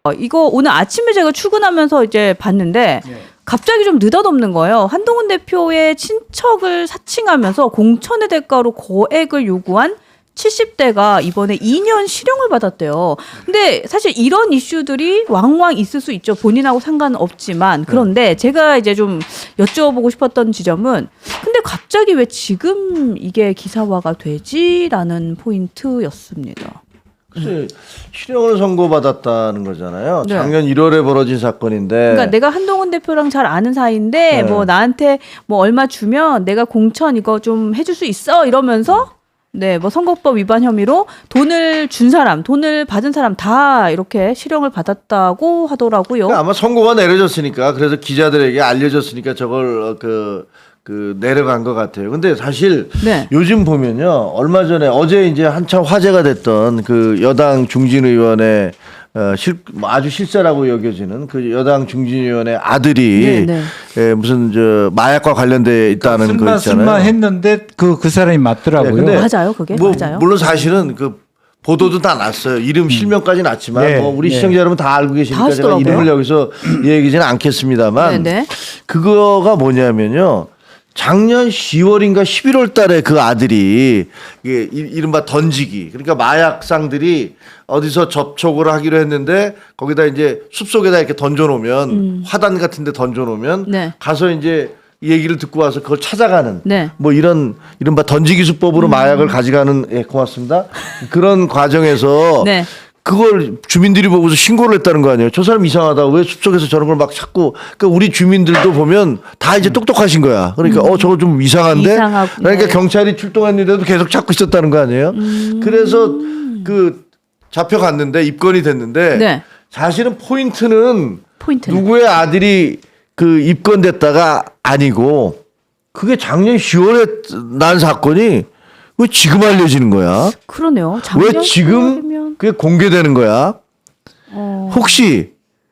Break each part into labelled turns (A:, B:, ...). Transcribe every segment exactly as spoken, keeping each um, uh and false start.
A: 어, 이거 오늘 아침에 제가 출근하면서 이제 봤는데 네. 갑자기 좀 느닷없는 거예요. 한동훈 대표의 친척을 사칭하면서 공천의 대가로 거액을 요구한 칠십 대가 이번에 이 년 실형을 받았대요. 근데 사실 이런 이슈들이 왕왕 있을 수 있죠. 본인하고 상관없지만. 그런데 제가 이제 좀 여쭤보고 싶었던 지점은 근데 갑자기 왜 지금 이게 기사화가 되지라는 포인트였습니다.
B: 글쎄, 실형을 선고받았다는 거잖아요.
A: 네.
B: 작년 일월에 벌어진 사건인데.
A: 그러니까 내가 한동훈 대표랑 잘 아는 사이인데
B: 네.
A: 뭐 나한테 뭐 얼마 주면 내가 공천 이거 좀 해줄 수 있어 이러면서 네, 뭐 선거법 위반 혐의로 돈을 준 사람, 돈을 받은 사람 다 이렇게 실형을 받았다고 하더라고요.
B: 그러니까 아마 선고가 내려졌으니까 그래서 기자들에게 알려졌으니까 저걸 그, 그 내려간 것 같아요. 근데 사실
A: 네.
B: 요즘 보면요, 얼마 전에 어제 이제 한참 화제가 됐던 그 여당 중진 의원의 어, 실, 아주 실세라고 여겨지는 그 여당 중진위원회 아들이
A: 네, 네.
B: 예, 무슨 저 마약과 관련돼 있다는
C: 그러니까
B: 거 있잖아요.
C: 쓴마 했는데 그 그 사람이 맞더라고요.
B: 네, 근데
A: 맞아요, 그게
B: 뭐,
A: 맞아요.
B: 물론 사실은 그 보도도 다 났어요. 이름 실명까지 났지만
C: 네,
B: 뭐 우리
C: 네.
B: 시청자 여러분 다 알고 계시니까
A: 다
B: 제가
A: 하시더라고요.
B: 이름을 여기서 얘기하지는 않겠습니다만
A: 네, 네.
B: 그거가 뭐냐면요. 작년 시월인가 십일월 달에 그 아들이 이게 이른바 던지기 그러니까 마약상들이 어디서 접촉을 하기로 했는데 거기다 이제 숲속에다 이렇게 던져놓으면
A: 음.
B: 화단 같은데 던져놓으면
A: 네.
B: 가서 이제 얘기를 듣고 와서 그걸 찾아가는
A: 네.
B: 뭐 이런 이른바 던지기 수법으로 음. 마약을 가져가는 예 고맙습니다 그런 과정에서
A: 네.
B: 그걸 주민들이 보고서 신고를 했다는 거 아니에요. 저 사람 이상하다. 왜 숲속에서 저런 걸 막 찾고. 그러니까 우리 주민들도 보면 다 이제 똑똑하신 거야. 그러니까 음. 어 저거 좀 이상한데.
A: 이상하고,
B: 그러니까
A: 네.
B: 경찰이 출동했는데도 계속 찾고 있었다는 거 아니에요.
A: 음.
B: 그래서 그 잡혀갔는데 입건이 됐는데
A: 네.
B: 사실은 포인트는
A: 포인트는.
B: 누구의 아들이 그 입건됐다가 아니고 그게 작년 시월에 난 사건이 왜 지금 알려지는 거야?
A: 그러네요.
B: 왜 지금
A: 시월이면...
B: 그게 공개되는 거야?
A: 어...
B: 혹시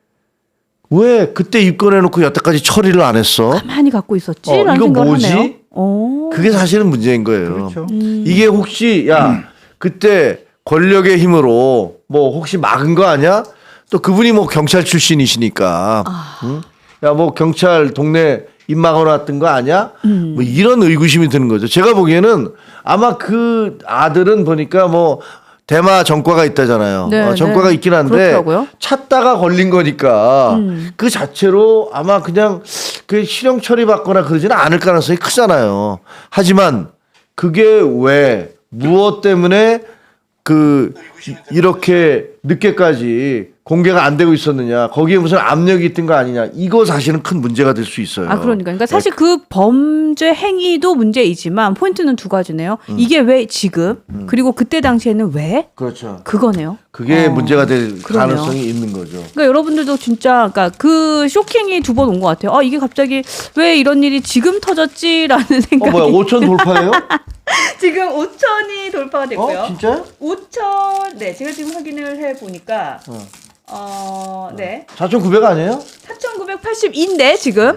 B: 왜 그때 입건해놓고 여태까지 처리를 안 했어?
A: 가만히 갖고 있었지?
B: 어,
A: 라는
B: 이거
A: 생각을
B: 뭐지?
A: 하네요. 오.
B: 그게 사실은 문제인 거예요.
C: 그렇죠.
A: 음.
B: 이게 혹시 야 그때 권력의 힘으로 뭐 혹시 막은 거 아니야? 또 그분이 뭐 경찰 출신이시니까
A: 아.
B: 응? 야 뭐 경찰 동네 입 막아놨던 거 아니야?
A: 음.
B: 뭐 이런 의구심이 드는 거죠. 제가 보기에는 아마 그 아들은 보니까 뭐 대마 전과가 있다잖아요.
A: 네,
B: 어, 전과가
A: 네.
B: 있긴 한데
A: 그렇더라고요.
B: 찾다가 걸린 거니까
A: 음.
B: 그 자체로 아마 그냥 그 실형 처리받거나 그러지는 않을 가능성이 크잖아요. 하지만 그게 왜 무엇 때문에 그 이렇게 늦게까지 공개가 안 되고 있었느냐, 거기에 무슨 압력이 있던 거 아니냐, 이거 사실은 큰 문제가 될 수 있어요.
A: 아, 그러니까. 그러니까 사실 그 범죄 행위도 문제이지만 포인트는 두 가지네요.
B: 음.
A: 이게 왜 지금, 음. 그리고 그때 당시에는 왜?
B: 그렇죠.
A: 그거네요.
B: 그게
A: 어,
B: 문제가 될
A: 그러네요.
B: 가능성이 있는 거죠.
A: 그러니까 여러분들도 진짜 그러니까 그 쇼킹이 두 번 온 것 같아요. 아, 이게 갑자기 왜 이런 일이 지금 터졌지라는
B: 어,
A: 생각이.
B: 뭐야, 오천 돌파예요?
A: 지금 오천이 돌파가 됐고요.
B: 어, 진짜요?
A: 오천, 네, 제가 지금 확인을 해 보니까,
B: 어.
A: 어, 네,
B: 사천구백 아니에요?
A: 사천구백팔십이인데 지금.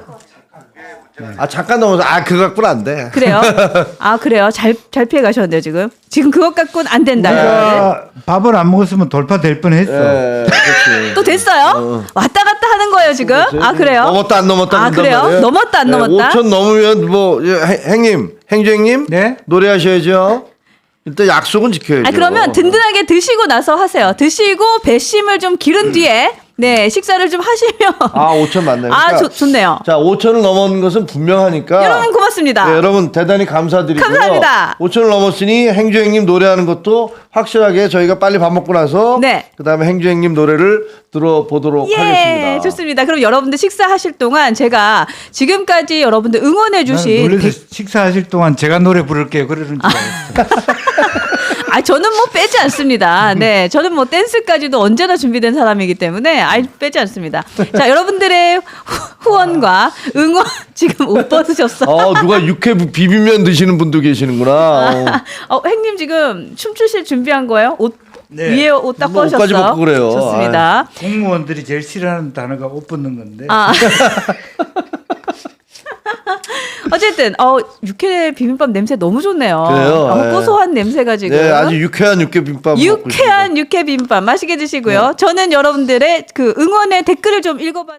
B: 아, 잠깐 넘어서, 아, 그거 갖고는 안 돼.
A: 그래요? 아, 그래요? 잘, 잘 피해 가셨네요, 지금. 지금 그것 갖고는 안 된다.
C: 우리가 밥을 안 먹었으면 돌파될 뻔했어.
B: 예, 그렇지.
A: 또 됐어요?
B: 어.
A: 왔다 갔다 하는 거예요, 지금? 아, 그래요?
B: 넘었다, 안 넘었다.
A: 아,
B: 그런단
A: 그래요?
B: 말이에요.
A: 넘었다, 안
B: 예,
A: 넘었다?
B: 오천 넘으면 뭐, 예, 행- 행님, 행주행님?
C: 네?
B: 노래하셔야죠. 일단 약속은 지켜야죠.
A: 아, 그러면 든든하게 드시고 나서 하세요. 드시고 배심을 좀 기른 뒤에 네, 식사를 좀 하시면.
B: 아, 오천 맞네요.
A: 아,
B: 그러니까
A: 좋, 좋네요.
B: 자, 오천을 넘은 것은 분명하니까.
A: 여러분 고맙습니다.
B: 네, 여러분 대단히 감사드리고요.
A: 감사합니다.
B: 오천을 넘었으니 행주행님 노래하는 것도 확실하게 저희가 빨리 밥 먹고 나서
A: 네.
B: 그다음에 행주행님 노래를 들어보도록
A: 예,
B: 하겠습니다.
A: 좋습니다. 그럼 여러분들 식사하실 동안 제가 지금까지 여러분들 응원해
C: 나는
A: 주신
C: 놀래서
A: 백-
C: 식사하실 동안 제가 노래 부를게요. 그러는 줄 알았어.
A: 아, 저는 뭐 빼지 않습니다. 네, 저는 뭐 댄스까지도 언제나 준비된 사람이기 때문에 아예 빼지 않습니다. 자, 여러분들의 후- 후원과 응원 지금 옷 벗으셨어.
B: 어, 누가 육회 비빔면 드시는 분도 계시는구나. 어.
A: 어, 행님 지금 춤추실 준비한 거예요? 옷
C: 네.
A: 위에 옷 딱
B: 뭐
A: 벗으셨어.
B: 옷까지 벗고 그래요.
A: 좋습니다.
C: 공무원들이 제일 싫어하는 단어가 옷 벗는 건데.
A: 아. 어쨌든 어 육회 비빔밥 냄새 너무 좋네요.
B: 그래요?
A: 어,
B: 네.
A: 고소한 냄새가 지금.
B: 네, 아주 유쾌한 육회 비빔밥. 먹고
A: 유쾌한 육회 비빔밥 맛있게 드시고요. 저는 여러분들의 그 응원의 댓글을 좀 읽어봐.